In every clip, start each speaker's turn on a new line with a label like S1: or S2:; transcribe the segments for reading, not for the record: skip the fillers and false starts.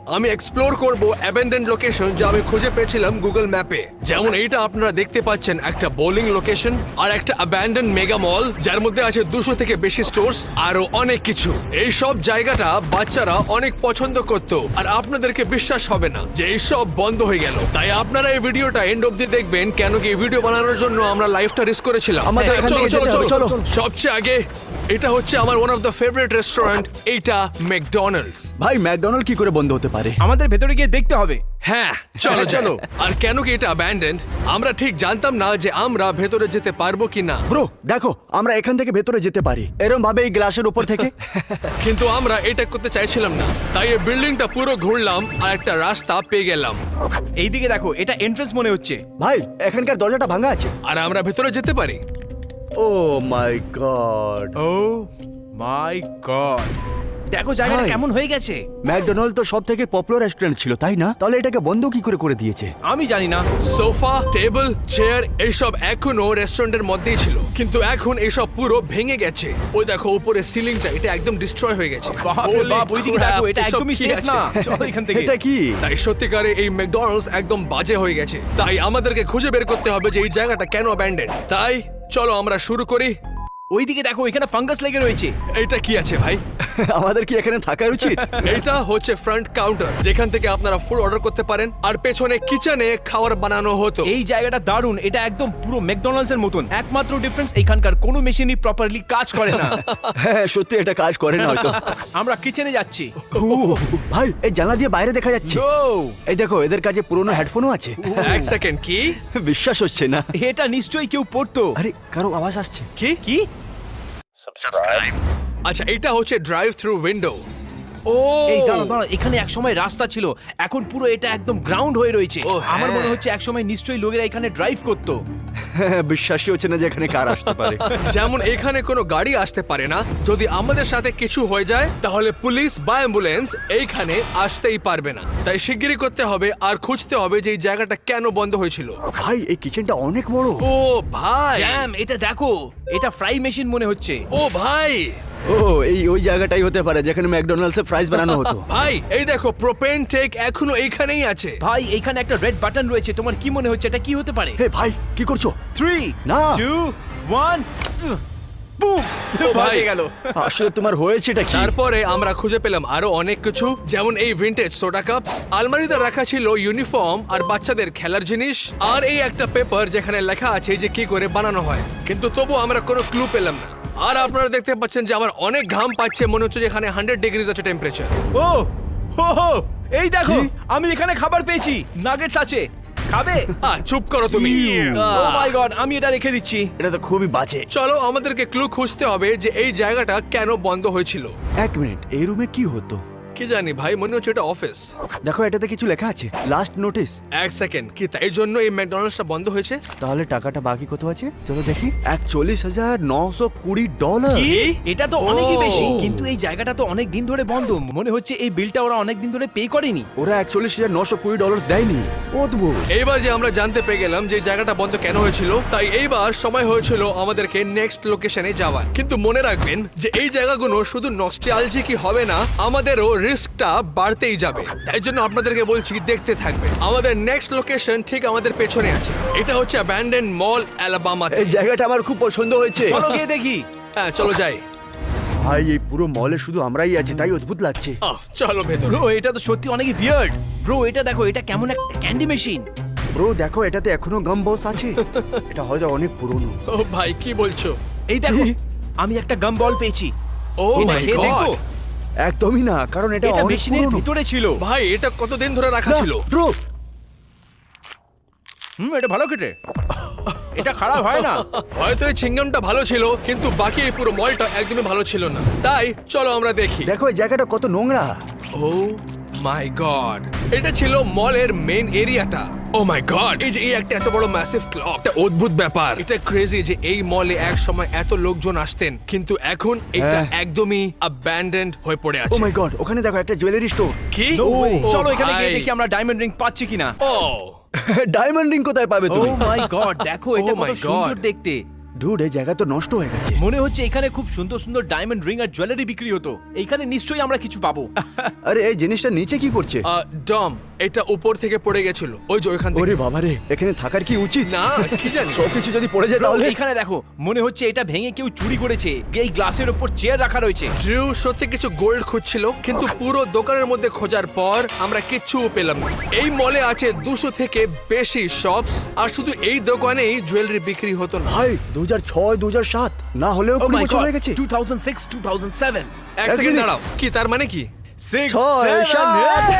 S1: আমি এক্সপ্লোর করব abandoned location যা আমি খুঁজে পেয়েছিলাম গুগল ম্যাপে। যেমন এইটা আপনারা দেখতে পাচ্ছেন, একটা বোলিং লোকেশন আর একটা অ্যাবেন্ডেন্ড মেগা মল যার মধ্যে আছে 200 থেকে বেশি স্টোরস আরো অনেক কিছু। এই সব জায়গাটা বাচ্চারা অনেক পছন্দ করত, আর আপনাদেরকে বিশ্বাস হবে না যে এই সব বন্ধ হয়ে গেল। তাই আপনারা এই ভিডিওটা এন্ড অবধি দেখবেন, কেন কি এই ভিডিও বানানোর জন্য আমরা লাইফটা রিস্ক করেছিলাম।
S2: আমাদের এখান
S1: চলো
S2: থেকে
S1: চলো
S2: যেতে হবে,
S1: চলো
S2: চলো।
S1: সবচেয়ে আগে এটা হচ্ছে আমার one of the favourite restaurant, এইটা ম্যাকডোনাল্ডস।
S2: ভাই ম্যাকডোনাল্ড কি করে বন্ধ হতে পারে?
S3: আমাদের ভেতরে গিয়ে দেখতে হবে।
S1: হ্যাঁ চলো চলো। আর কেন কি এটা অ্যাবান্ডেন্ড, আমরা ঠিক জানতাম না যে আমরা ভেতরে যেতে পারবো কিনা।
S2: ব্রো দেখো, আমরা এখান থেকে ভেতরে যেতে পারি এরকম ভাবে এই গ্লাসের উপর থেকে।
S1: কিন্তু আমরা এটা করতে চাইছিলাম না, তাই এই বিল্ডিংটা পুরো ঘুরলাম আর একটা রাস্তা পেয়ে গেলাম।
S3: এইদিকে দেখো, এটা এন্ট্রান্স মনে হচ্ছে।
S2: ভাই এখানকার দরজাটা ভাঙা আছে।
S1: আর আমরা ভেতরে যেতে পারি।
S2: ও my God,
S3: oh my god, দেখো জায়গাটা
S2: ভাই।
S3: কেমন হয়ে গেছে।
S2: ম্যাকডোনাল্ড তো সব থেকে পপুলার রেস্টুরেন্ট ছিল, তাই না? তাহলে এটাকে বন্ধ কি করে দিয়েছে?
S3: আমি জানি না।
S1: সোফা, টেবিল, চেয়ার এইসব এখনো রেস্টুরেন্টের মধ্যেই ছিল, কিন্তু এখন এইসব পুরো ভেঙে গেছে। ওই দেখো উপরে সিলিংটা, এটা একদম ডিস্ট্রয় হয়ে গেছে।
S3: বাপরে বাপ, ওইদিকে দেখো, এটা
S1: এসব
S3: একদমই
S1: কি
S3: সেফ
S1: আছে?
S3: না। চলো এখান থেকে।
S2: এটা কি?
S1: তাই সত্যিকারে এই ম্যাকডোনাল্ডস একদম বাজে হয়ে গেছে। তাই আমাদেরকে খুঁজে বের করতে হবে যে এই জায়গাটা কেন অ্যাবান্ডেন্ড। তাই চলো আমরা শুরু করি।
S3: ওইদিকে দেখো, এখানে ফাঙ্গাস লেগে রয়েছে।
S1: এইটা কি আছে ভাই?
S2: আমাদের কি এখানে থাকা উচিত?
S1: এইটা হচ্ছে ফ্রন্ট কাউন্টার, যেখান থেকে আপনারা ফুড অর্ডার করতে পারেন, আর পেছনে কিচেনে খাবার বানানো হতো।
S3: এই জায়গাটা দারুণ, এটা একদম পুরো ম্যাকডোনাল্ডস এর মতন। একমাত্র ডিফারেন্স, এখানকার কোনো মেশিনই প্রপারলি কাজ করে না।
S2: হ্যাঁ সত্যি এটা কাজ করে না হয়তো।
S3: আমরা কিচেনে যাচ্ছি।
S2: ভাই এই জানলা দিয়ে বাইরে দেখা যাচ্ছে।
S3: ও,
S2: এই দেখো, এদের কাছে পুরনো হেডফোনও আছে।
S1: এক সেকেন্ড, কি?
S2: বিশ্বাস হচ্ছে না।
S3: এটা নিশ্চয়ই কেউ পড়তো।
S2: আরে কারো আওয়াজ আসছে।
S1: কি?
S3: কি?
S1: আচ্ছা, এটা হচ্ছে ড্রাইভ থ্রু উইন্ডো। ও
S3: এই দাঁড়াও দাঁড়াও, এখানে একসময় রাস্তা ছিল, এখন পুরো এটা একদম গ্রাউন্ড হয়ে রয়েছে।
S1: ও, হ্যাঁ।
S3: আমার মনে হচ্ছে একসময় নিশ্চয়ই লোকেরা এখানে ড্রাইভ করতো।
S2: বিশ্বাসই হচ্ছে না যে এখানে কার আসতে পারে।
S1: যেমন এখানে কোনো গাড়ি আসতে পারে না, যদি আমাদের সাথে কিছু হয়ে যায় তাহলে পুলিশ বা অ্যাম্বুলেন্স এইখানে আসতেই পারবে না। তাই শিগগিরই করতে হবে আর খুঁজতে হবে যে এই জায়গাটা কেন বন্ধ হয়েছিল।
S2: ভাই এই কিচেনটা অনেক বড়।
S1: ও ভাই,
S3: জ্যাম, এটা দেখো, এটা ফ্রাই মেশিন মনে হচ্ছে।
S1: ও ভাই,
S2: ও এই ওই জায়গাটাই হতে পারে যেখানে ম্যাকডোনাল্ডস এর ফ্রাইজ বানানো হতো।
S1: ভাই এই দেখো, প্রোপেন টেক এখনো এইখানেই আছে।
S3: ভাই এখানে একটা রেড বাটন রয়েছে, তোমার কি মনে হচ্ছে এটা কি হতে পারে?
S2: হে ভাই কি করছো?
S3: 3
S2: না।
S3: 2 1 বুম,
S1: ও ভাই।
S3: ভাই গেল।
S2: আসলে তোমার হয়েছেটা কি?
S1: তারপরে আমরা খুঁজে পেলাম আরো অনেক কিছু, যেমন এই ভিনটেজ সোডা কাপ, আলমারিতে রাখা ছিল ইউনিফর্ম আর বাচ্চাদের খেলার জিনিস, আর এই একটা পেপার যেখানে লেখা আছে যে কি করে বানানো হয়, কিন্তু তবু আমরা কোনো ক্লু পেলাম না। আর আপনারা দেখতে পাচ্ছেন যে আমার অনেক ঘাম পাচ্ছে, মনে হচ্ছে যে এখানে 100 ডিগ্রিজ আছে টেম্পারেচার।
S3: ও হো হো, এই দেখো,
S2: কি?
S3: আমি এখানে খাবার পেয়েছি, নাগেটস আছে, খাবে?
S1: চুপ করো তুমি।
S3: ও মাই গড, আমি এটা রেখে দিচ্ছি।
S2: এটা তো খুবই বাজে।
S1: চলো আমাদেরকে ক্লু খুঁজতে হবে যে এই জায়গাটা কেন বন্ধ হয়েছিল।
S2: এক মিনিট, এই রুমে কি হতো?
S1: কি জানি ভাই, মনে হচ্ছে এটা অফিস।
S2: দেখো এটাতে কিছু লেখা আছে, লাস্ট নোটিস।
S1: এক সেকেন্ড, কি তাই জন্য এই ম্যাকডোনাল্ডসটা বন্ধ হয়েছে?
S2: তাহলে টাকাটা বাকি কত আছে চলো দেখি। $41,920।
S3: কি? এটা তো অনেকই
S1: ও।
S3: বেশি, কিন্তু এই জায়গাটা তো অনেক দিন ধরে বন্ধ। মনে হচ্ছে এই বিলটা ওরা অনেক দিন ধরে পে করেনি।
S2: ওরা $41,920 দেয়নি। অদ্ভুত।
S1: এইবার যে আমরা জানতে পেরে গেলাম যে জায়গাটা বন্ধ কেন হয়েছিল, তাই এইবার সময় হয়েছিল আমাদেরকে নেক্সট লোকেশনে যাওয়ার। কিন্তু মনে রাখবেন যে এই জায়গাগুলো শুধু নস্টালজিকই হবে না, আমাদেরও রিস্কটা বাড়তেই যাবে। তাই জন্য আপনাদেরকে বলছি দেখতে থাকবে। আমাদের নেক্সট লোকেশন ঠিক আমাদের পেছনে আছে, এটা হচ্ছে অ্যাবান্ডেন্ড মল অ্যালাবামা।
S2: এই জায়গাটা আমার খুব পছন্দ হয়েছে।
S3: চলো গিয়ে দেখি।
S1: হ্যাঁ চলো যাই।
S2: ভাই এই পুরো মলে শুধু আমরাই আছি, তাই অদ্ভুত লাগছে।
S1: চলো ভেতরে।
S3: ব্রো এটা তো সত্যি অনেক ভিয়ার্ড। ব্রো এটা দেখো, এটা কেমন একটা ক্যান্ডি মেশিন।
S2: ব্রো দেখো, এটাতে এখনো গাম বলস আছে। এটা হয়তো অনেক পুরনো।
S1: ও ভাই কি বলছো?
S3: এই দেখো,
S2: কি?
S3: আমি একটা গাম বল পেয়েছি।
S1: ও
S3: এটা
S1: মাই
S3: খেয়ে দেখো।
S1: গড,
S2: একদমই না, কারণ এটা
S3: এটা
S2: অনেক
S3: মেশিনের
S2: পুরনো।
S3: ভিতরে ছিল।
S1: ভাই এটা কতদিন ধরে রাখা ছিল?
S2: ব্রো
S3: এটা ভালো কেটে, এটা খারাপ হয় না।
S1: হয়তো এই চিংগামটা ভালো ছিল, কিন্তু বাকি এই পুরো মলটা একদমই ভালো ছিল না। তাই চলো আমরা দেখি।
S2: দেখো এই জায়গাটা কত নোংরা।
S1: ও মাই গড, এটা ছিল মলের মেইন এরিয়াটা। ও মাই গড, এই যে এই একটা এত বড় ম্যাসিভ ক্লক, একটা অদ্ভুত ব্যাপার। এটা ক্রেজি যে এই মলে এক সময় এত লোকজন আসতেন, কিন্তু এখন এটা
S2: হ্যাঁ।
S1: একদমই অ্যাবান্ডেন্ড হয়ে পড়ে
S2: ও
S1: আছে।
S2: মাই গড, ওখানে দেখো একটা জুয়েলারি স্টোর।
S1: কি?
S3: No way.
S1: ও
S3: চলো এখানে গিয়ে
S1: ভাই।
S3: দেখি আমরা ডায়মন্ড রিং পাচ্ছি কিনা।
S1: ও
S2: ডায়মন্ড রিং কোথায় পাবে
S3: ও
S2: তুমি?
S3: মাই গড, দেখো এটা
S1: Oh
S3: কত
S1: my
S3: সুন্দর
S1: God.
S3: দেখতে।
S2: ডুড এই জায়গা তো নষ্ট হয়ে গেছে।
S3: মনে হচ্ছে এখানে খুব সুন্দর সুন্দর ডায়মন্ড রিং আর জুয়েলারি বিক্রি হতো। এইখানে নিশ্চয়ই আমরা কিছু পাবো।
S2: আরে এই জিনিসটা নিচে কি করছে?
S1: ডম, এটা উপর থেকে পড়ে গেছিল, ওই যে ওইখান থেকে।
S2: ওরে বাবারে, এখানে থাকার কি উচিত?
S1: না, কি জানি।
S2: সবকিছু যদি পড়ে যায় তাহলে?
S3: এইখানে দেখো, মনে হচ্ছে এটা ভেঙে কেউ চুরি করেছে। এই গ্লাসের উপর চেয়ার রাখা রয়েছে।
S1: ড্রিউ সত্যি কিছু গোল্ড খুঁজছিল, কিন্তু পুরো দোকানের মধ্যে খোঁজার পর আমরা কিচ্ছু পেলাম না। এই মলে আছে 200 থেকে বেশি শপস, আর শুধু এই দোকানেই জুয়েলারি বিক্রি হতো না।
S2: ভাই 2006 2007 না হলেও
S3: Oh
S2: 20
S3: my
S2: বছর
S3: God,
S2: হয়ে গেছে।
S3: 2006 2007
S1: এক সেকেন্ড দাঁড়াও, কি তার মানে কি?
S3: 6
S2: ছয়,
S3: 7
S2: সাত।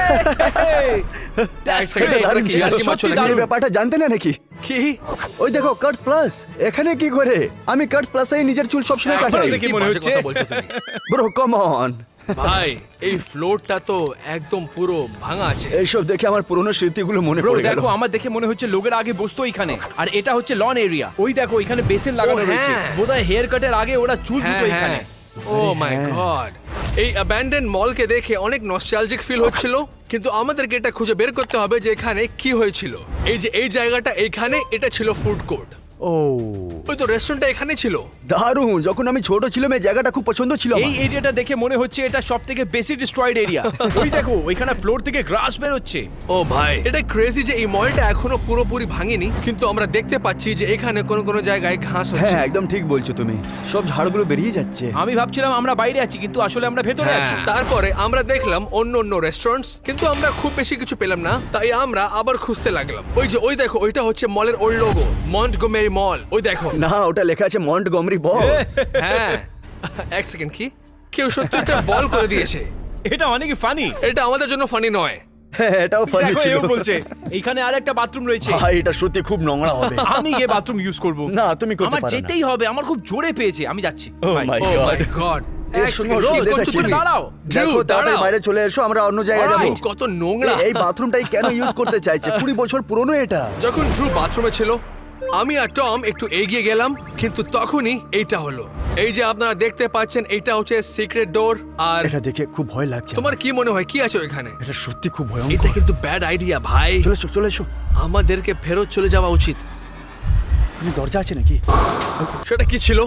S1: এক সেকেন্ড,
S2: এটা দারুণ ছিল।
S1: আর কি মারছো নাকি?
S2: এই ব্যাপারটা জানতে না নাকি?
S1: কি?
S2: ওই দেখো কাটস প্লাস, এখানে কি করে? আমি কাটস প্লাসে নিজের চুল সবসময় কাটাই।
S3: দেখে
S1: কি
S3: মনে
S1: বাজে
S3: হচ্ছে?
S1: কথা বলছো তুমি?
S2: Bro come on.
S1: ভাই, এই ফ্লোরটা তো একদম পুরো ভাঙা আছে।
S2: এইসব দেখে আমার পুরনো স্মৃতিগুলো মনে
S3: ব্রো
S2: পড়ে গেল।
S3: দেখো, আমার দেখে মনে হচ্ছে লোকের আগে বসতো এখানে। আর এটা হচ্ছে লন এরিয়া। ওই দেখো, এখানে বেসিন লাগানো
S1: হ্যাঁ।
S3: রয়েছে। বোধহয় হেয়ার কাটের আগে ওরা চুল
S1: হ্যাঁ,
S3: ধুতো এখানে।
S1: ও মাই গড, এই অ্যাবান্ডেন মলকে দেখে অনেক নস্টালজিক ফিল হচ্ছিল, কিন্তু আমাদেরকে এটা খুঁজে বের করতে হবে যে এখানে কি হয়েছিল। এই যে এই জায়গাটা এইখানে, এটা ছিল ফুড কোর্ট।
S2: ও
S1: ওই তো রেস্টুরেন্টটা এখানে ছিল।
S2: দারুণ, যখন আমি ছোট ছিলাম এই জায়গাটা খুব পছন্দ ছিল
S3: এই
S2: আমার।
S3: এরিয়াটা দেখে মনে হচ্ছে এটা সবথেকে বেশি ডিস্ট্রয়েড এরিয়া। ওই দেখো, ওইখানে ফ্লোর থেকে গ্রাস বের হচ্ছে।
S1: ও ভাই, এটা ক্রেজি যে এই মলটা এখনো পুরোপুরি ভাঙেনি, কিন্তু আমরা দেখতে পাচ্ছি যে এখানে কোন কোন জায়গায় ঘাস হচ্ছে।
S2: হ্যাঁ একদম ঠিক বলছো তুমি, সব ঝাড়গুলো বেরিয়ে যাচ্ছে।
S3: আমি ভাবছিলাম আমরা বাইরে আছি, কিন্তু আসলে আমরা ভেতরে
S1: হ্যাঁ,
S3: আছি।
S1: তারপরে আমরা দেখলাম অন্য অন্য রেস্টুরেন্টস, কিন্তু আমরা খুব বেশি কিছু পেলাম না, তাই আমরা আবার খুঁজতে লাগলাম। ওই যে ওই দেখো, ওইটা হচ্ছে মলের ওল্ড লোগো, মন্টগোমেরি মল। ওই দেখো।
S2: না, ওটা লেখা আছে মন্টগমরি বস।
S1: হ্যাঁ, এক সেকেন্ড, কি কেউ সত্যি একটা বল করে দিয়েছে?
S3: এটা অনেক ফানি।
S1: এটা আমাদের জন্য ফানি নয়।
S2: হ্যাঁ এটাও ফানি
S3: দেখো,
S2: ছিল।
S3: এও বলছে এখানে আরেকটা বাথরুম রয়েছে।
S2: ভাই এটা সত্যি খুব নোংরা হবে।
S3: আমি গিয়ে বাথরুম ইউজ করব।
S2: না, তুমি করতে
S3: আমার
S2: পারো না।
S3: যেতেই হবে, আমার খুব জোরে পেয়েছে। আমি যাচ্ছি।
S2: Oh
S3: Bye.
S2: my
S1: ও
S2: God.
S1: মাই গড,
S2: এর সঙ্গে অসুবিধাটা
S1: করছো
S2: কি?
S1: তুমি?
S3: দাঁড়াও।
S1: ড্রিউ,
S2: দেখো তাড়াতাড়ি
S1: দাঁড়াও।
S2: বাইরে চলে এসো, আমরা অন্য জায়গায় যাবো।
S3: Alright.
S1: কত নোংরা।
S2: এই বাথরুমটাই কেন ইউজ করতে চাইছে? 20 বছর পুরনো এটা।
S1: যখন ড্রু বাথরুমে ছিল, আমি আর টম একটু এগিয়ে গেলাম, কিন্তু তখনই এইটা হলো। এই যে আপনারা দেখতে পাচ্ছেন, এইটা হচ্ছে সিক্রেট ডোর। আর
S2: এটা দেখে খুব ভয় লাগছে।
S1: তোমার কি মনে হয় কি আছে ওইখানে?
S2: এটা সত্যি খুব
S1: এটা
S2: ভয়ঙ্কর।
S1: কিন্তু ব্যাড আইডিয়া ভাই।
S2: চলে এসো, চলে এসো।
S1: আমাদেরকে ফেরত চলে যাওয়া উচিত।
S2: তুমি দরজা আছে নাকি?
S1: সেটা কি ছিল?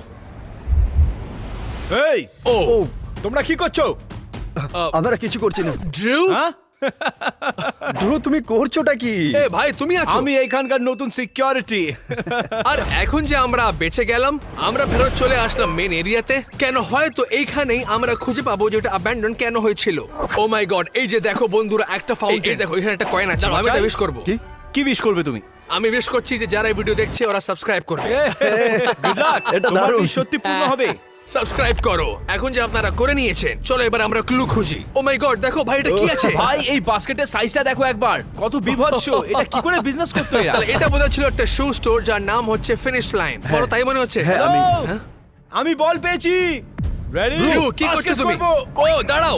S3: এই,
S1: ও
S3: তোমরা কি করছো?
S2: আমরা কিছু করছি না।
S1: ড্রু,
S3: হ্যাঁ?
S2: ড্রু তুমি করছোটা কি?
S1: এ ভাই তুমি আছো?
S3: আমি এইখানকার নতুন সিকিউরিটি।
S1: আর এখন যে আমরা বেঁচে গেলাম, আমরা ফেরত চলে আসলাম মেন এরিয়াতে। কেন, হয়তো এইখানেই আমরা খুঁজে পাবো যে এটা অ্যাবান্ডন কেন হয়েছিল। ও মাই গড, এই যে দেখো বন্ধুরা, একটা ফাউন্টেন। দেখো এখানে একটা কয়েন আছে, আমি এটা উইশ করব।
S2: কি?
S3: কি উইশ করবে তুমি?
S1: আমি উইশ করছি যে যারা এই ভিডিও দেখছে ওরা সাবস্ক্রাইব করবে।
S3: Good luck.
S2: এটা
S3: তোমার
S2: দারুণ।
S3: wish সত্যি পূর্ণ হবে।
S1: সাবস্ক্রাইব করো। এখন যে আপনারা করে নিয়েছেন, চলো এবার আমরা ক্লু খুঁজি। ও মাই গড, দেখো ভাই এটা কি আছে?
S3: ভাই, এই বাস্কেটের সাইজটা দেখো একবার, কত বিভৎস। এটা কি করে বিজনেস করতে এরা?
S1: তাহলে এটা বোধহয় ছিল একটা শু স্টোর যার নাম হচ্ছে ফিনিশ লাইন। বড় তাই মনে হচ্ছে।
S2: হ্যাঁ,
S3: Hello? আমি বল পেয়েছি। রেডি?
S1: ড্রু, কি করছো তুমি? ও দাঁড়াও।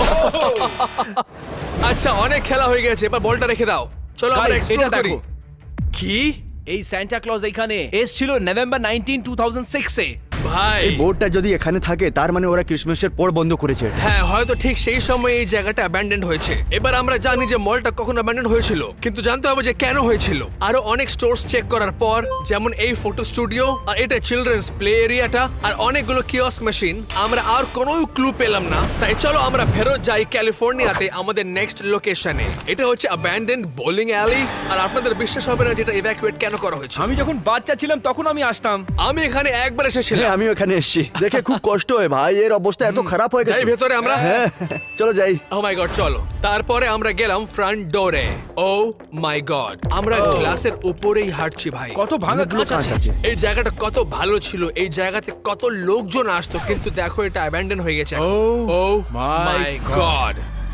S1: আচ্ছা, অনেক খেলা হয়ে গেছে, এবার বলটা রেখে দাও। চলো আমরা
S3: Guys,
S1: এক্সপ্লোর
S3: এটা
S1: করি।
S3: দেখো।
S1: কি
S3: এই সান্টা ক্লজ এখানে এসেছিল নভেম্বর 19, 2006 এ।
S1: ভাই?
S2: এই বোর্ডটা যদি এখানে থাকে তার মানে ওরা ক্রিসমাসের পর বন্ধ করেছে এটা।
S1: হ্যাঁ, হয়তো ঠিক সেই সময় এই জায়গাটা অ্যাবান্ডেন্ড হয়েছে। এবার আমরা জানি যে মলটা কখন অ্যাবান্ডেন্ড হয়েছিল, কিন্তু জানতে হবে যে কেন হয়েছিল। আরো অনেক স্টোরস চেক করার পর, যেমন এই ফটো স্টুডিও, আর এটা চিলড্রেন্স প্লে এরিয়াটা, আর অনেকগুলো কিওস্ক মেশিন, আমরা আর কোনো ক্লু পেলাম না। তাই চলো আমরা ফেরত যাই ক্যালিফোর্নিয়াতে আমাদের নেক্সট লোকেশনে। এটা হচ্ছে অ্যাবান্ডেন্ড বোলিং অ্যালি, আর আপনাদের বিশ্বাস হবে না যেটা ইভ্যাকুয়েট কেন করা হয়েছে।
S3: আমি যখন বাচ্চা ছিলাম তখন আমি আসতাম।
S1: আমি এখানে একবার এসেছিলাম।
S2: হ্যাঁ, আমিও এখানে এসেছি, দেখে খুব কষ্ট হয় ভাই, এর অবস্থা এত খারাপ হয়ে
S1: যাই
S2: গেছে।
S1: ভেতরে আমরা।
S2: হ্যাঁ চলো যাই।
S1: ও মাই গড, চলো। তারপরে আমরা গেলাম ফ্রন্ট ডোরে। ও মাই গড, আমরা গ্লাসের উপরেই হাঁটছি ভাই।
S3: কত ভাঙা
S2: অনেকগুলো
S3: কাঁচ আছে।
S1: এই জায়গাটা কত ভালো ছিল, এই জায়গাতে কত লোকজন আসতো, কিন্তু দেখো এটা অ্যাবান্ডন হয়ে গেছে। Oh my God.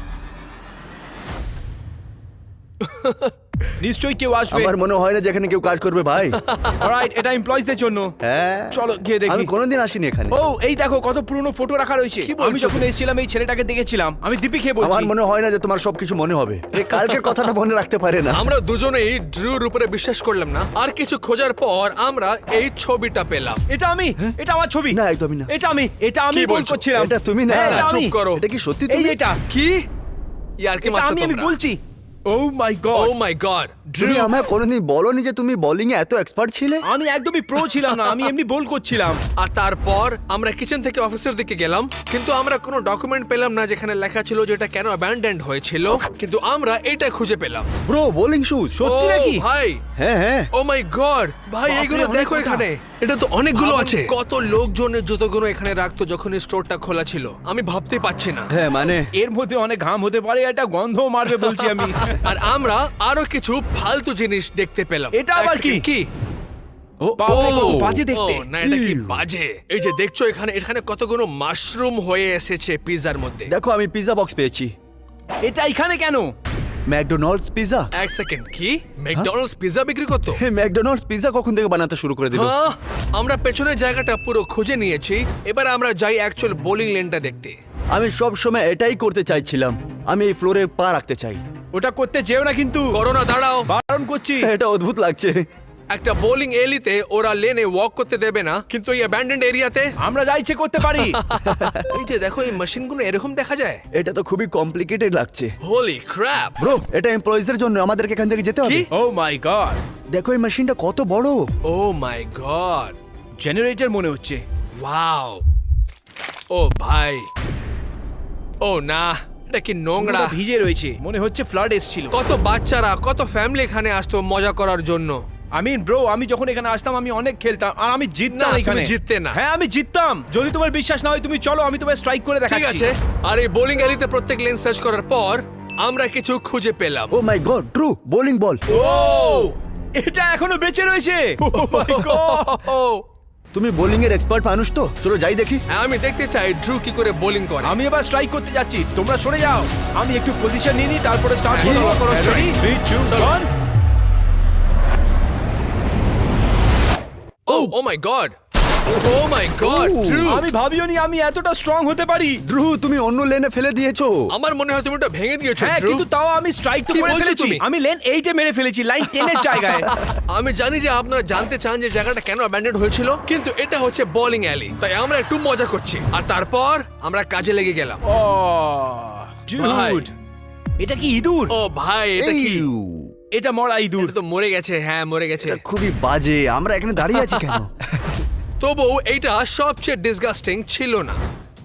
S3: নিশ্চয়ই কেউ আসবে।
S2: আমার মনে হয় না যেখানে কেউ কাজ করবে ভাই।
S3: অলরাইট, এটা এমপ্লয়িজদের জন্য।
S2: হ্যাঁ
S3: চলো গিয়ে দেখি।
S2: আমি কোনোদিন আসিনি এখানে।
S3: ও, এই দেখো কত পুরনো ফটো রাখা রয়েছে।
S1: কি বলছো
S3: আমি যখন এসেছিলাম এই ছেলেটাকে দেখেছিলাম। আমি দীপি খেয়ে বলছি।
S2: আমার মনে হয় না যে তোমার সবকিছু মনে হবে। এই কালকের কথাটা মনে রাখতে পারে না।
S1: আমরা দুজনেই ড্রুর উপরে বিশ্বাস করলাম না, আর কিছু খোঁজার পর আমরা এই ছবিটা পেলাম।
S3: এটা আমি, এটা আমার ছবি।
S2: না, একদমই না।
S3: এটা আমি, এটা আমি
S1: কি
S3: বল
S1: বলছো?
S3: করছিলাম।
S2: এটা তুমি না।
S3: হ্যাঁ, এটা
S1: চুপ
S3: আমি।
S1: করো।
S2: এটা কি সত্যি
S3: এই
S2: তুমি?
S3: এটা
S1: কি? ইয়ার কি
S3: এটা
S1: মারছো
S3: আমি
S1: তোমরা?
S3: বলছি। ও মাই
S1: ও
S3: গড,
S1: মাই গড,
S2: তুমি আমায় কোনোদিন বলোনি যে তুমি বোলিং এ এত এক্সপার্ট ছিলে?
S3: আমি একদমই প্রো ছিলাম না, আমি এমনি বোল করছিলাম।
S1: আর তারপর আমরা কিচেন থেকে অফিসের দিকে গেলাম, কিন্তু আমরা কোনো ডকুমেন্ট পেলাম না যেখানে লেখা ছিল যে এটা কেন অ্যাবান্ডেন্ড হয়েছিল, কিন্তু আমরা এটা খুঁজে পেলাম।
S2: Bro, bowling shoes.
S3: সত্যি
S1: ও
S3: নাকি?
S1: ভাই,
S2: হ্যাঁ হ্যাঁ।
S1: ও মাই গড ভাই,
S3: বাপরে,
S1: এইগুলো
S3: অনেক
S1: দেখো
S3: কথা।
S1: এখানে, এটা তো অনেকগুলো আছে। কত লোকজনের জুতোগুলো এখানে রাখতো যখন এই স্টোরটা খোলা ছিল, আমি ভাবতে পারছি না।
S2: হ্যাঁ মানে
S3: এর মধ্যে অনেক ঘাম হতে পারে, এটা গন্ধ মারবে বলছি আমি।
S1: আর আমরা আরো কিছু ফালতু জিনিস দেখতে পেলাম।
S3: এটা আবার
S1: এক second, কি?
S2: ও
S3: বাপরে, কত
S1: ও,
S3: বাজে দেখতে।
S1: ও, না এটা কি বাজে। এই যে দেখছো এখানে এখানে কতগুলো মাশরুম হয়ে এসেছে পিজার মধ্যে।
S2: দেখো, আমি পিজা বক্স পেয়েছি।
S3: এটা এখানে কেন?
S2: McDonald's pizza.
S1: এক সেকেন্ড, কি ম্যাকডোনাল্ডস পিজা বিক্রি করতো?
S2: হে, ম্যাকডোনাল্ডস পিজা কখন থেকে বানাতে শুরু করে দিল?
S1: হ্যাঁ, আমরা পেছনের জায়গাটা পুরো খুঁজে নিয়েছি, এবার আমরা যাই অ্যাকচুয়াল বোলিং লেনটা দেখতে।
S2: আমি সব সময় এটাই করতে চাইছিলাম, আমি এই ফ্লোরে পা রাখতে চাই।
S3: ওটা করতে যেও না কিন্তু,
S1: করোনা দাঁড়াও,
S3: বারণ করছি।
S2: এটা অদ্ভুত লাগছে।
S1: একটা বোলিং এলিতে ওরা লেনে ওয়াক করতে দেবে না, কিন্তু এই অ্যাবান্ডেন্ড এরিয়াতে
S3: আমরা যা ইচ্ছে করতে পারি।
S1: এই যে দেখো এই মেশিনগুলো এরকম দেখা যায়।
S2: এটা তো খুবই কমপ্লিকেটেড লাগছে।
S1: হোলি ক্র্যাপ!
S2: ব্রো, এটা এমপ্লয়িজের জন্য, আমাদেরকে এখান থেকে যেতে হবে।
S1: কি?
S3: ও মাই গড,
S2: দেখো এই মেশিনটা কত বড়।
S1: ও মাই গড,
S3: জেনারেটর মনে হচ্ছে।
S1: ওয়াও! ও ভাই, ও না, এটা কি নোংরা।
S3: পুরো ভিজে রয়েছে, মনে হচ্ছে ফ্লাড এসেছিল।
S1: কত বাচ্চারা, কত ফ্যামিলি এখানে আসতো মজা করার জন্য।
S3: ব্রো, আমি যখন এখানে আসতাম আমি অনেক খেলতাম আর আমি জিততাম
S1: না, তুমি
S3: এখানে।
S1: জিততে না।
S3: হ্যাঁ, আমি জিততাম। যদি তোমার বিশ্বাস না হয় তুমি চলো, আমি তোমায় স্ট্রাইক করে
S1: ঠিক
S3: দেখাচ্ছি।
S1: আছে, আর এই বোলিং এলিতে প্রত্যেক লেন সার্চ করার পর আমরা কিছু খুঁজে পেলাম।
S2: Oh my God, true bowling ball.
S1: Oh
S3: এটা এখনো বেঁচে রয়েছে। Oh my God!
S2: তুমি বোলিং এর এক্সপার্ট মানুষ তো, চলো যাই দেখি।
S1: হ্যাঁ, আমি দেখতে চাই ড্রু কি করে বোলিং করে।
S3: আমি এবার স্ট্রাইক করতে যাচ্ছি, তোমরা সরে যাও। আমি একটু পজিশন নিয়ে নিই, তারপরে স্টার্ট
S1: হ্যাঁ,
S3: করব।
S1: চলো, করো strike।
S3: 3 2
S1: চলো।
S3: 1।
S1: Oh my God, oh my God, Drew!
S3: আমি ভাবিও নি আমি এতটা স্ট্রং হতে পারি।
S2: ড্রু, তুমি অন্য লেনে ফেলে দিয়েছো।
S1: আমার মনে হয় তুমি ওটা ভেঙে দিয়েছো
S3: হ্যাঁ,
S1: ড্রু।
S3: কিন্তু তাও আমি স্ট্রাইক তো
S1: কি
S3: করে
S1: বলছো
S3: ফেলেছি।
S1: তুমি?
S3: আমি লেন 8 এ মেরে ফেলেছি, লাইন 10 এর জায়গায়।
S1: আমি জানি যে আপনারা জানতে চান যে জায়গাটা কেন অ্যাবান্ডেন্ড হয়েছিল, কিন্তু এটা হচ্ছে বোলিং অ্যালি, তাই আমরা একটু মজা করছি। আর তারপর আমরা কাজে লেগে গেলাম।
S3: ও
S1: ভাই।
S3: ডুড, এটা কি ইঁদুর?
S1: ও ভাই, এটা কি?
S2: ইউ,
S3: এটা মরা ইঁদুর।
S1: এটা তো মরে গেছে। হ্যাঁ, মরে গেছে।
S2: এটা খুবই বাজে, আমরা এখানে দাঁড়িয়ে আছি কেন?
S1: তবুও এইটা সবচেয়ে ডিসগাস্টিং ছিল না।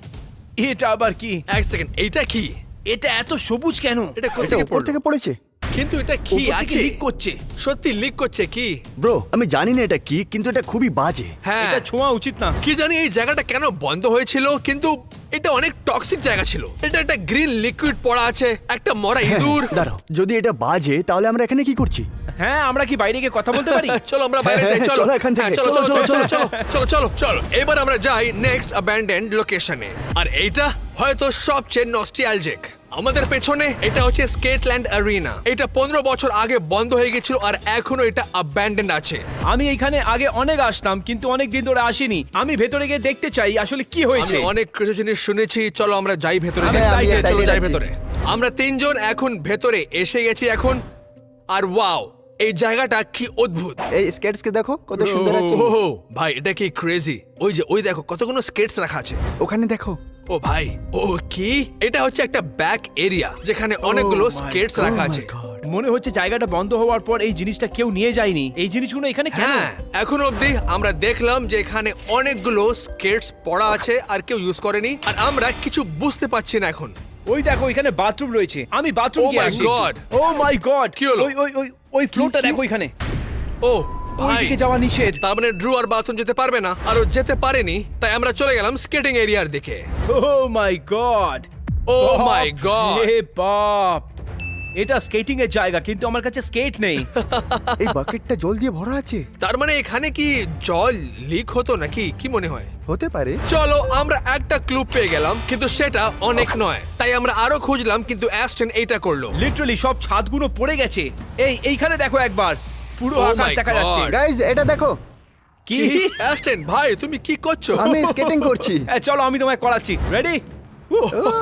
S3: এটা আবার কি?
S1: এক সেকেন্ড, এইটা কি?
S3: এটা এত সবুজ কেন?
S1: এটা কোথা
S2: এটা
S1: থেকে
S2: উপর থেকে
S1: পড়লো?
S2: পড়েছে।
S1: কিন্তু এটা কি
S3: উপর থেকে
S1: আছে?
S3: লিক করছে।
S1: সত্যি লিক করছে কি?
S2: ব্রো, আমি জানি না এটা কি, কিন্তু এটা খুবই বাজে।
S1: হ্যাঁ,
S3: এটা ছোঁয়া উচিত না।
S1: কি জানি এই জায়গাটা কেন বন্ধ হয়েছিল, কিন্তু এটা অনেক টক্সিক জায়গা ছিল। এটা একটা গ্রিন লিকুইড পড়া আছে, একটা মরা ইঁদুর।
S2: দাঁড়াও, যদি এটা বাজে তাহলে আমরা এখানে কি করছি?
S3: হ্যাঁ, আমরা কি বাইরে গিয়ে কথা বলতে পারি?
S1: চলো আমরা বাইরে যাই, চলো।
S2: চলো এখান থেকে,
S1: হ্যাঁ, চলো
S2: চলো,
S1: চলো চলো
S2: চলো,
S1: চলো চলো চলো চলো। এবার আমরা যাই নেক্সট অ্যাবান্ডেন্ড লোকেশনে। আর এইটা হয়তো সবচেয়ে নস্টালজিক। আমাদের পেছনে এটা হচ্ছে স্কেটল্যান্ড অ্যারিনা। এটা 15 বছর আগে বন্ধ হয়ে গেছিল আর এখনো এটা অ্যাবান্ডেন্ড আছে।
S3: আমি এখানে আগে অনেক আসতাম, কিন্তু অনেক দিন ধরে আসিনি। আমি ভেতরে গিয়ে দেখতে চাই আসলে কি
S1: আমি
S3: হয়েছে।
S1: অনেক কিছু জিনিস শুনেছি, চলো আমরা যাই ভেতরে।
S3: আমি
S1: যাই।
S3: excited,
S1: চলো যাই
S2: আছি।
S1: ভেতরে। আমরা তিনজন এখন ভেতরে এসে গেছি এখন। আর ওয়াও, এই জায়গাটা কি অদ্ভুত।
S2: এই স্কেটস কে দেখো কত সুন্দর আছে।
S1: ও ভাই, এটা কি ক্রেজি। ওই যে ওই দেখো কতগুলো স্কেটস রাখা আছে।
S2: ওখানে দেখো।
S1: ও ভাই, ও কি? এটা হচ্ছে একটা ব্যাক এরিয়া যেখানে অনেকগুলো
S3: my
S1: স্কেটস
S2: Oh
S1: রাখা
S2: my
S1: আছে।
S2: God!
S3: মনে হচ্ছে জায়গাটা বন্ধ হওয়ার পর এই জিনিসটা কেউ নিয়ে যায়নি। এই জিনিসগুলো এখানে কেন?
S1: হ্যাঁ, এখন অবধি আমরা দেখলাম যে এখানে অনেকগুলো স্কেটস পড়া আছে আর কেউ ইউজ করেনি, আর আমরা কিছু বুঝতে পারছি না এখন।
S3: ওই দেখো, এখানে বাথরুম রয়েছে। আমি বাথরুম
S1: Oh
S3: গিয়ে
S1: my
S3: আসি।
S1: God!
S3: ও মাই গড,
S1: কি হলো?
S3: ওই ওই ওই ওই ফ্লোরটা
S2: কি?
S3: দেখো এখানে।
S1: ও ভাই,
S3: ওইদিকে যাওয়া নিষেধ।
S1: তার মানে ড্রু আর বাথরুম যেতে পারবে না, আর ও যেতে পারেনি, তাই আমরা চলে গেলাম স্কেটিং এরিয়ার দিকে।
S3: ও my God,
S1: oh my god!
S3: হে বাপ, এটা স্কেটিং এর জায়গা, কিন্তু আমার কাছে স্কেট নেই।
S2: এই বাকেটটা জল দিয়ে ভরা আছে।
S1: তার মানে এখানে কি জল লিক হতো নাকি, কি মনে হয়?
S2: হতে পারে।
S1: চলো, আমরা একটা ক্লু পেয়ে গেলাম, কিন্তু সেটা অনেক নয়, তাই আমরা আরো খুঁজলাম, কিন্তু অ্যাস্টন এইটা করলো।
S3: লিটারালি সব ছাদগুলো পড়ে গেছে। এইখানে দেখো একবার, পুরো
S1: Oh
S3: আকাশ
S1: my
S3: দেখা যাচ্ছে।
S1: God!
S2: গাইস, এটা দেখো।
S3: কি?
S1: অ্যাস্টন ভাই, তুমি কি করছো?
S2: আমি স্কেটিং করছি।
S3: চলো আমি তোমায় করাচ্ছি। রেডি?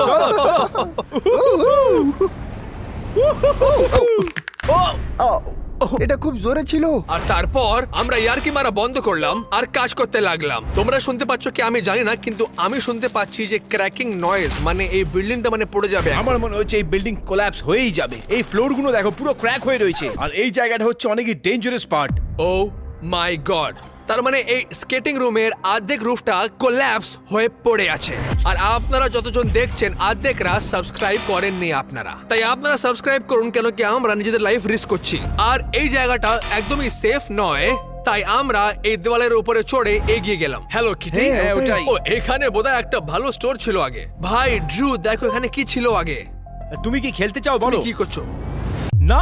S2: ও, এটা খুব জোরে ছিল।
S1: আর তারপর আমরা ইয়ার্কি মারা বন্ধ করলাম আর কাজ করতে লাগলাম। তোমরা শুনতে পাচ্ছ কি আমি জানি না, কিন্তু আমি শুনতে পাচ্ছি যে ক্র্যাকিং নয়েজ, মানে এই বিল্ডিংটা মানে পড়ে যাবে।
S3: আমার মনে হচ্ছে এই বিল্ডিং কোল্যাপস হয়েই যাবে। এই ফ্লোর গুলো দেখো পুরো ক্র্যাক হয়ে রয়েছে, আর এই জায়গাটা হচ্ছে অনেকই dangerous part.
S1: Oh my God, তার মানে এই স্কেটিং রুমের অর্ধেক রুফটা কোল্যাপস হয়ে পড়ে আছে। আর আপনারা যতজন দেখছেন অর্ধেকরা সাবস্ক্রাইব করেননি আপনারা, তাই আপনারা সাবস্ক্রাইব করুন, কেন কি আমরা নিজেদের লাইফ রিস্ক করছি। আর এই জায়গাটা একদমই সেফ নয়, তাই আমরা এই দেওয়ালের উপরে চড়ে এগিয়ে গেলাম। Hello Kitty.
S3: হ্যাঁ, ওটাই।
S1: ও এখানে বোধহয় একটা ভালো স্টোর ছিল আগে। ভাই ড্রু, দেখো এখানে কি ছিল আগে।
S3: তুমি কি খেলতে চাও
S1: তুমি
S3: বলো?
S1: কি করছো?
S3: না,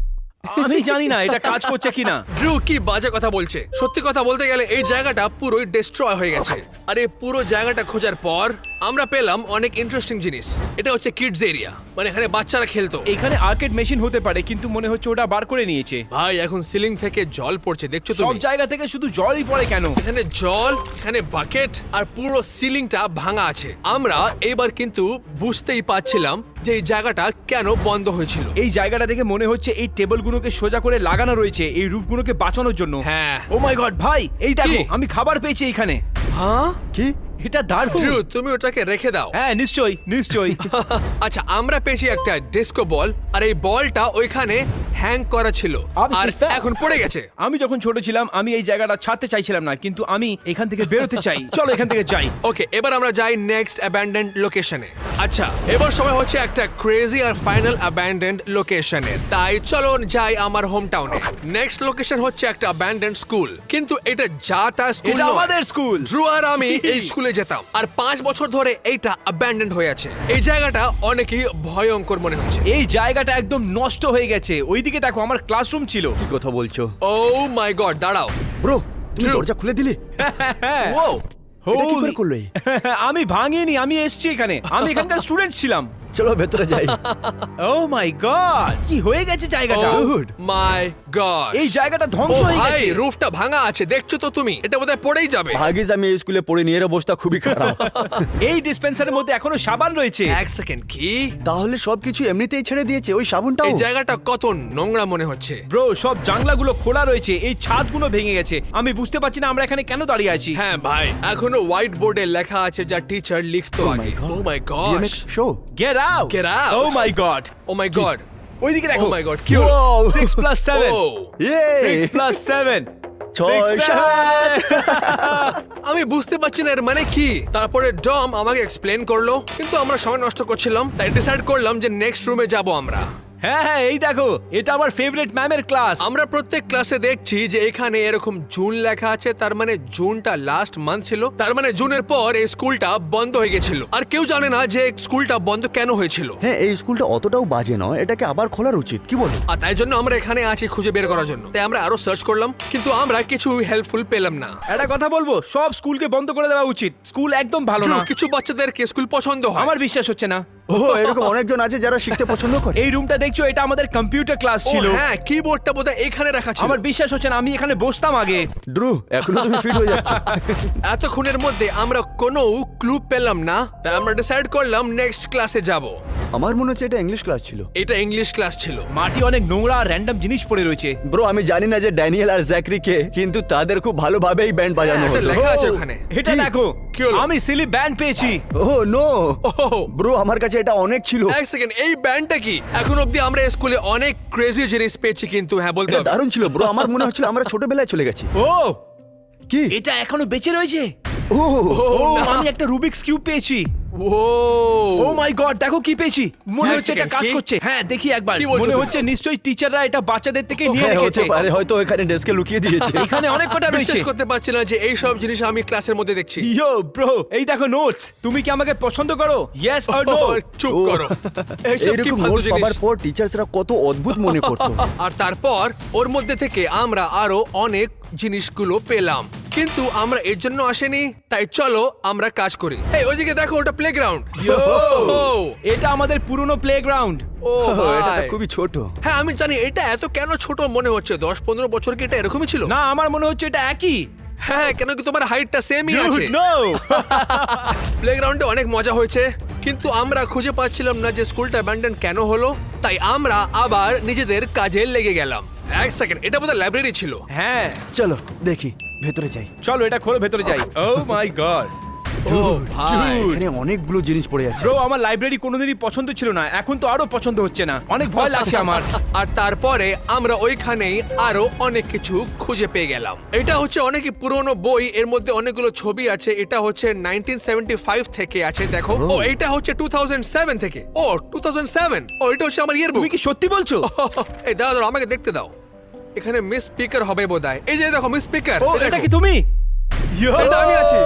S3: আমি জানি না এটা কাজ করছে কিনা।
S1: ড্রু কি বাজে কথা বলছে। সত্যি কথা বলতে গেলে এই জায়গাটা পুরোই ডিস্ট্রয় হয়ে গেছে। আর এই পুরো জায়গাটা খোঁজার পর আমরা পেলাম অনেক ইন্টারেস্টিং জিনিস। এটা হচ্ছে কিডস এরিয়া, মানে এখানে বাচ্চারা খেলতো।
S3: এখানে আর্কেড মেশিন হতে পারে, কিন্তু মনে হচ্ছে ওটা বার করে নিয়েছে।
S1: ভাই এখন সিলিং থেকে জল পড়ছে, দেখছো
S3: সব
S1: তুমি?
S3: জায়গা থেকে শুধু জলই পড়ে কেন?
S1: এখানে জল, এখানে বাকেট, আর পুরো সিলিংটা ভাঙা আছে। আমরা এইবার কিন্তু বুঝতেই পারছিলাম যে এই জায়গাটা কেন বন্ধ হয়েছিল।
S3: এই জায়গাটা দেখে মনে হচ্ছে এই টেবিলগুলোকে সোজা করে লাগানো রয়েছে এই রুফগুলোকে বাঁচানোর জন্য।
S1: হ্যাঁ।
S3: ও মাই গড ভাই, এই দেখো
S1: কি?
S3: আমি খাবার পেয়েছি এখানে।
S1: হ্যাঁ
S2: কি?
S3: এটা দারুণ।
S1: ড্রু, তুমি ওটাকে রেখে দাও।
S3: হ্যাঁ নিশ্চয়ই নিশ্চয়ই।
S1: আচ্ছা, আমরা পেয়েছি একটা ডিস্কো বল, আর এই বলটা ওইখানে হ্যাং করা ছিল আর এখন পড়ে গেছে।
S3: আমি যখন ছোট ছিলাম আমি এই জায়গাটা ছাড়তে চাইছিলাম না, কিন্তু আমি এখান থেকে বেরোতে চাই। চলো এখান থেকে যাই।
S1: ওকে, এবার আমরা যাই নেক্সট অ্যাবান্ডেন্ড লোকেশনে। আচ্ছা, এবার সময় হচ্ছে একটা ক্রেজি আর ফাইনাল অ্যাবান্ডেন্ড লোকেশনে। তাই চলো যাই আমার হোম টাউনে। নেক্সট লোকেশন হচ্ছে একটা অ্যাবান্ডেন্ড স্কুল, কিন্তু এটা যা তা স্কুল
S3: এটা
S1: নয়।
S3: আমাদের স্কুল।
S1: ড্রু আর আমি এই স্কুলে যেতাম, আর 5 বছর ধরে এইটা অ্যাবান্ডেন্ড হয়ে আছে। এই জায়গাটা অনেকই ভয়ঙ্কর মনে হচ্ছে।
S3: এই জায়গাটা একদম নষ্ট হয়ে গেছে। ওইদিকে দেখো আমার ক্লাসরুম ছিল।
S2: কি কথা বলছো?
S1: ও মাই গড, দাঁড়াও।
S2: ব্রো, তুমি
S1: True.
S2: দরজা খুলে দিলে?
S1: ও
S2: এটা কি করে
S3: Holy-
S2: করলে?
S3: আমি ভাঙিনি, আমি এসেছি এখানে। আমি এখানকার স্টুডেন্ট ছিলাম।
S2: চলো ভেতরে যাই।
S3: ও মাই গড, কি হয়ে গেছে জায়গাটা?
S2: Dude.
S1: মাই গড,
S3: এই জায়গাটা ধ্বংস হয়ে
S1: ভাই
S3: গেছে।
S1: রুফটা ভাঙা আছে, দেখছো তো তুমি? এটা বোধহয় পড়েই যাবে।
S2: ভাগিস আমি এই স্কুলে পড়ে নিয়ে, এর অবস্থা খুবই খারাপ।
S3: এই ডিসপেন্সারের মধ্যে এখনো সাবান রয়েছে।
S1: এক সেকেন্ড, কি?
S2: তাহলে সবকিছু এমনিতেই ছেড়ে দিয়েছে, ওই সাবুনটাও?
S1: এই জায়গাটা কত নোংরা মনে হচ্ছে।
S3: ব্রো, সব জানলাগুলো খোলা রয়েছে, এই ছাদগুলো ভেঙে গেছে। আমি বুঝতে পারছি না আমরা এখানে কেন দাঁড়িয়ে আছি।
S1: হ্যাঁ ভাই, এখনো হোয়াইট বোর্ডে লেখা আছে যা টিচার লিখতো আগে। Oh my God,
S2: BMX show?
S3: Get out.
S1: Get out.
S3: Oh my God.
S1: Oh my God,
S3: ওইদিকে
S1: ও
S3: দেখো।
S1: মাই গড, কি হলো?
S2: Wow.
S3: 6 + 7
S1: ও,
S3: 6 + 7
S2: ছয়,
S3: 6, 7
S1: আমি বুঝতে পারছি না এর মানে কি। তারপরে ডম আমাকে এক্সপ্লেন করলো, কিন্তু আমরা সময় নষ্ট করছিলাম, তাই ডিসাইড করলাম যে নেক্সট রুমে যাব আমরা।
S3: হ্যাঁ হ্যাঁ, এই দেখো, এটা আমার ফেভারিট ম্যামের ক্লাস।
S1: আমরা প্রত্যেক ক্লাসে দেখছি যে এখানে এরকম জুন লেখা আছে, তার মানে জুনটা লাস্ট মান্থ ছিল। তার মানে জুনের পর এই স্কুলটা বন্ধ হয়ে গেছিল, আর কেউ জানে না যে স্কুলটা বন্ধ কেন হয়েছিল।
S2: হ্যাঁ, এই স্কুলটা অতটাও বাজে নয়, এটাকে আবার খোলার উচিত, কি বলো?
S1: আর তাই জন্য আমরা এখানে আছি খুঁজে বের করার জন্য। তাই আমরা আরো সার্চ করলাম, কিন্তু আমরা কিছু হেল্পফুল পেলাম না।
S3: একটা কথা বলবো, সব স্কুলকে বন্ধ করে দেওয়া উচিত। স্কুল একদম ভালো না।
S1: কিছু বাচ্চাদেরকে স্কুল পছন্দ হয়।
S3: আমার বিশ্বাস হচ্ছে না।
S2: ও, এরকম অনেকজন আছে যারা শিখতে পছন্দ করে।
S3: এই রুমটা দেখছো, এটা আমাদের কম্পিউটার ক্লাস
S1: ও
S3: ছিল।
S1: হ্যাঁ, কিবোর্ডটা বোধহয় এখানে রাখা ছিল।
S3: আমার বিশ্বাস হচ্ছে না, আমি এখানে বসতাম আগে।
S2: ড্রু, এখনো তুমি ফিট হয়ে যাচ্ছ।
S1: এতক্ষণের মধ্যে আমরা কোনো ক্লু পেলাম না, তাই আমরা ডিসাইড করলাম নেক্সট ক্লাসে যাব।
S2: আমার মনে হচ্ছে এটা ইংলিশ ক্লাস ছিল।
S1: এটা ইংলিশ ক্লাস ছিল।
S3: মাটি অনেক নোংরা আর র্যান্ডম জিনিস পড়ে রয়েছে।
S2: ব্রো, আমি জানি না যে ড্যানিয়েল আর জ্যাকরি কে, কিন্তু তাদের খুব ভালোভাবেই ব্যান্ড বাজানো
S1: হ্যাঁ, এটা
S2: হতো।
S1: লেখা আছে
S3: ও,
S1: ওখানে।
S3: এটা
S2: কি?
S3: দেখো,
S1: কি হলো?
S3: আমি সিলি ব্যান্ড পেয়েছি।
S2: ও নো
S1: ওহ,
S2: ব্রো, আমার কাছে এটা অনেক ছিল।
S1: এক সেকেন্ড, এই ব্যান্ডটা কি? এখন অবধি আমরা স্কুলে অনেক ক্রেজি জিনিস পেয়েছি, কিন্তু হ্যাঁ বলতে
S2: এটা
S1: হবে।
S2: দারুণ ছিল ব্রো, আমার মনে হচ্ছিল আমরা ছোটবেলায় চলে গেছি।
S3: ও,
S2: কি?
S3: এটা এখনো বেঁচে রয়েছে।
S2: ও
S3: ও,
S1: না।
S3: আমি একটা রুবিক্স কিউব পেয়েছি।
S1: ও
S3: ও মাই গড, দেখো কি পেয়েছি। মনে
S1: এক
S3: হচ্ছে এটা
S1: second,
S3: কাজ
S1: কি?
S3: করছে। হ্যাঁ, দেখি একবার।
S1: কি বলছো
S3: মনে
S1: তুমি?
S3: হচ্ছে নিশ্চয়ই টিচাররা এটা বাচ্চাদের থেকে নিয়ে
S2: হ্যাঁ,
S3: রেখেছে।
S2: হতে পারে, হয়তো এখানে ডেস্কে লুকিয়ে দিয়েছে।
S3: এখানে অনেক কটা রয়েছে।
S1: বিশ্বাস করতে পারছি না যে এই সব জিনিস আমি ক্লাসের মধ্যে দেখছি।
S3: ইয়ো ব্রো, এই দেখো নোটস। তুমি কি আমাকে পছন্দ করো? Yes or no?
S1: ও, চুপ
S2: ও।
S1: করো। এইসব কি
S2: এইরকম
S1: ফালতু
S2: নোটস
S1: জিনিস?
S2: পাবার পর টিচার্সরা কত অদ্ভুত মনে করতো।
S1: আর তারপর ওর মধ্যে থেকে আমরা আরো অনেক জিনিসগুলো পেলাম, কিন্তু আমরা এর জন্য আসেনি। তাই চলো আমরা কাজ করি। এই ওইদিকে দেখো, ওটা প্লেগ্রাউন্ড।
S3: এটা আমাদের পুরনো প্লেগ্রাউন্ড।
S1: ও
S2: এটা
S1: ভাই,
S2: খুবই ছোট।
S1: হ্যাঁ আমি জানি। এটা এত কেন ছোট মনে হচ্ছে? 10-15 বছর কি এটা এরকমই ছিল?
S3: না, আমার মনে হচ্ছে এটা একই।
S1: হ্যাঁ, কেন কি তোমার হাইটটা সেমই আছে।
S3: নো।
S1: প্লেগ্রাউন্ডে অনেক মজা হয়েছে, কিন্তু আমরা খুঁজে পাচ্ছিলাম না যে স্কুলটা অ্যাবান্ডন কেন হলো। তাই আমরা আবার নিজেদের কাজে লেগে গেলাম। এক সেকেন্ড, এটা বোধহয় লাইব্রেরি ছিল।
S3: হ্যাঁ
S2: চলো দেখি ভেতরে যাই।
S3: চলো এটা খোলো, ভেতরে যাই। ও মাই গড
S1: ও ভাই,
S2: এখানে অনেকগুলো জিনিস পড়ে আছে।
S3: ব্রো, আমার লাইব্রেরি কোনোদিনই পছন্দ ছিল না, এখন তো আরো পছন্দ হচ্ছে না, অনেক ভয় লাগছে আমার।
S1: আর তারপরে আমরা ওইখানেই আরো অনেক কিছু খুঁজে পেয়ে গেলাম। এটা হচ্ছে অনেকই পুরনো বই, এর মধ্যে অনেকগুলো ছবি আছে। এটা হচ্ছে 1975 থেকে আছে, দেখো। ও এটা হচ্ছে 2007 থেকে। ও 2007, ও এটা হচ্ছে আমার ইয়ারবুক।
S3: তুমি কি সত্যি বলছো?
S1: এই দাও দাও, আমাকে দেখতে দাও। এখানে মিস স্পিকার হবে বোধহয়। এই যে দেখো মিস স্পিকার।
S3: ও এটা কি তুমি?
S1: এটা আমি আছি।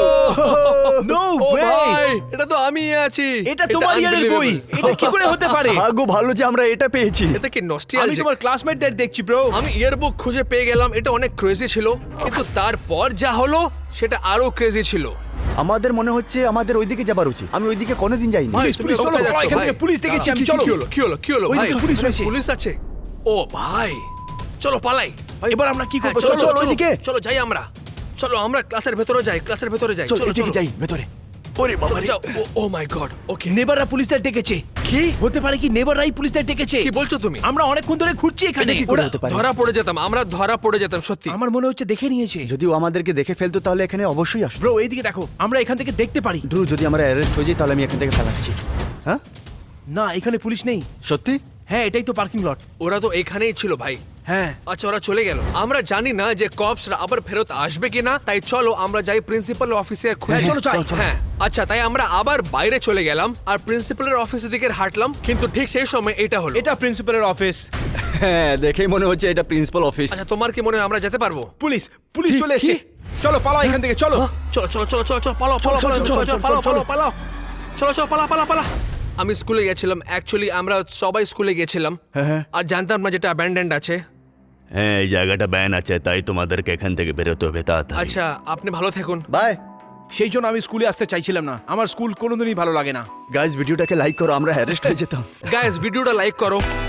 S3: নো
S1: ও
S3: ওয়ে,
S1: ভাই, এটা তো আমি আছি।
S3: এটা তোমার ইয়ারের বই, এটা কি করে হতে পারে?
S2: ভাগ্য ভালো যে আমরা এটা পেয়েছি।
S1: এটা কি
S3: আমি
S1: নস্টালজিক?
S3: তোমার ক্লাসমেটদের দেখছি ব্রো।
S1: আমি ইয়ারবুক খুঁজে পেয়ে গেলাম, এটা অনেক ক্রেজি ছিল, কিন্তু তারপর যা হলো সেটা আরো ক্রেজি ছিল।
S2: আমাদের মনে হচ্ছে আমাদের ওইদিকে যাবার উচিত। আমি ওইদিকে কোনোদিন যাইনি।
S1: ভাই,
S3: পুলিশ,
S1: তুমি
S3: পুলিশ, চলো,
S1: কোথায় যাচ্ছ,
S3: এখান থেকে
S1: ভাই?
S3: পুলিশ দেখেছি আমি,
S1: কি-
S3: চলো।
S1: কি হলো, কি হলো, কি হলো
S3: ওই
S1: ভাই?
S3: দিকে পুলিশ রয়েছে।
S1: পুলিশ আছে। ও ভাই, চলো পালাই।
S3: এবার আমরা কি করবো?
S1: হ্যাঁ, চলো
S3: চলো,
S1: চলো
S2: ওইদিকে।
S1: চলো যাই আমরা। চলো আমরা ক্লাসের ভেতরে যাই, ক্লাসের ভেতরে যাই।
S2: চলো
S1: চলো
S2: এদিকে
S1: চলো
S2: যাই ভেতরে।
S1: ওরে বাবা রে, ও মাই গড। ওকে,
S3: নেবাররা পুলিশদের ডেকেছে।
S1: কি
S3: হতে পারে কি নেবাররাই পুলিশদের ডেকেছে?
S1: কি বলছো তুমি?
S3: আমরা অনেকক্ষণ ধরে ঘুরছি এখানে।
S2: এটা কি করে
S3: ওরা-
S2: হতে পারে?
S1: ধরা পড়ে যেতাম, আমরা ধরা পড়ে যেতাম সত্যি।
S3: আমার মনে হচ্ছে দেখে নিয়েছে।
S2: যদিও আমাদেরকে দেখে ফেলতো তাহলে এখানে অবশ্যই আসবে।
S3: ব্রো এইদিকে দেখো, আমরা এখান থেকে দেখতে পারি।
S2: ড্রু, যদি আমরা অ্যারেস্ট হয়ে যাই তাহলে আমি এখান থেকে পালাচ্ছি। হ্যাঁ
S3: না, এখানে পুলিশ নেই।
S2: সত্যি?
S3: হ্যাঁ, এটাই তো পার্কিং লট।
S1: ওরা তো এখানেই ছিল ভাই।
S3: হ্যাঁ,
S1: আচ্ছা, ওরা চলে গেল। আমরা জানি না যে কপসরা আবার ফেরত আসবে কিনা, তাই চলো আমরা যাই প্রিন্সিপাল অফিসে খুঁজে।
S3: হ্যাঁ, চলো, যাই।
S1: হ্যাঁ, আচ্ছা, তাই আমরা আবার বাইরে চলে গেলাম আর প্রিন্সিপালের অফিসের দিকে হাঁটলাম, কিন্তু ঠিক সেই সময় এটা হলো।
S3: এটা প্রিন্সিপালের অফিস।
S2: হ্যাঁ, দেখেই মনে হচ্ছে এটা প্রিন্সিপাল অফিস।
S1: আচ্ছা, তোমার কি মনে হয় আমরা যেতে পারবো?
S3: পুলিশ, পুলিশ
S2: কি-
S3: চলে এসেছে।
S2: কি?
S3: চলো পালাও এখান থেকে, চলো।
S1: চলো চলো চলো চলো চলো, পালাও পালাও পালাও, চলো চলো পালাও পালাও পালাও, চলো চলো পালা পালা পালা। আমি স্কুলে গেছিলাম, অ্যাকচুয়ালি আমরা সবাই স্কুলে গেছিলাম,
S2: হ্যাঁ।
S1: আর জানতাম না যেটা অ্যাবান্ডেন্ড আছে।
S4: হ্যাঁ, এই জায়গাটা ব্যান আছে, তাই তোমাদেরকে এখান থেকে বেরোতে হবে তাড়াতাড়ি।
S1: আচ্ছা, আপনি ভালো থাকুন।
S2: বাই
S3: সেই জন্য আমি স্কুলে আসতে চাইছিলাম না, আমার স্কুল কোনোদিনই ভালো লাগে না।
S2: গাইস, ভিডিওটাকে লাইক করো, আমরা অ্যারেস্ট হয়ে যেতাম।
S1: গাইস, ভিডিওটা লাইক করো।